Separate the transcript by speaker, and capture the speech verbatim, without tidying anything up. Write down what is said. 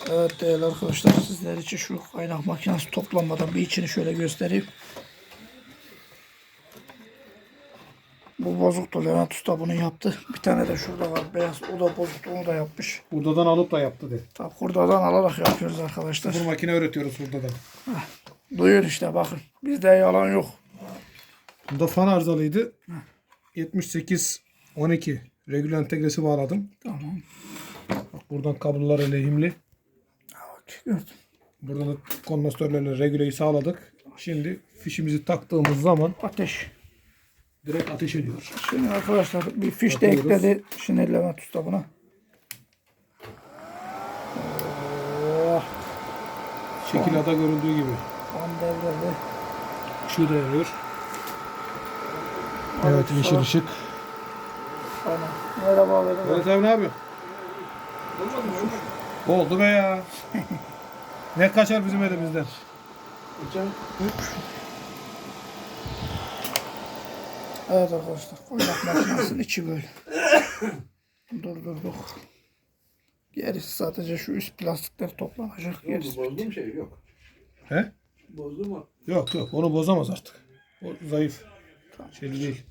Speaker 1: Evet değerli arkadaşlar, sizler için şu kaynak makinesi toplanmadan bir içini şöyle göstereyim. Bu bozuktu, Levent Usta bunu yaptı. Bir tane de şurada var beyaz, o da bozuktu, onu da yapmış.
Speaker 2: Hurdadan alıp da yaptı de.
Speaker 1: Tabi hurdadan alarak yapıyoruz arkadaşlar.
Speaker 2: Bu makine öğretiyoruz hurdadan.
Speaker 1: Duyun işte bakın, bizde yalan yok.
Speaker 2: Bunda fan arızalıydı. yetmiş sekiz on iki regül entegresi bağladım.
Speaker 1: Tamam.
Speaker 2: Bak buradan kablolar lehimli.
Speaker 1: Bak gördüm.
Speaker 2: Buradan da kondansatörlerle regüleyi sağladık. Şimdi fişimizi taktığımız zaman
Speaker 1: Ateş.
Speaker 2: direkt ateş ediyor.
Speaker 1: Şimdi arkadaşlar bir fiş de
Speaker 2: Bakıyoruz.
Speaker 1: ekledi. Şimdi Levent Usta buna. Oh,
Speaker 2: Şekilada görüldüğü gibi.
Speaker 1: tam devrildi.
Speaker 2: Işığı da yanıyor. Evet, yeşil ışık.
Speaker 1: Aynen. Merhaba abi.
Speaker 2: Evet abi, ne yapıyorsun? Oldu be ya. Ne kaçar bizim elimizden?
Speaker 1: Evet arkadaşlar, kaynak makinesinin içi böyle. Durdurduk. Gerisi sadece şu üst plastikler toplanacak. Gerisi
Speaker 3: Bozduğum şey yok.
Speaker 2: He?
Speaker 3: Bozdu mu?
Speaker 2: Yok yok, onu bozamaz artık. O zayıf. Şeyli değil.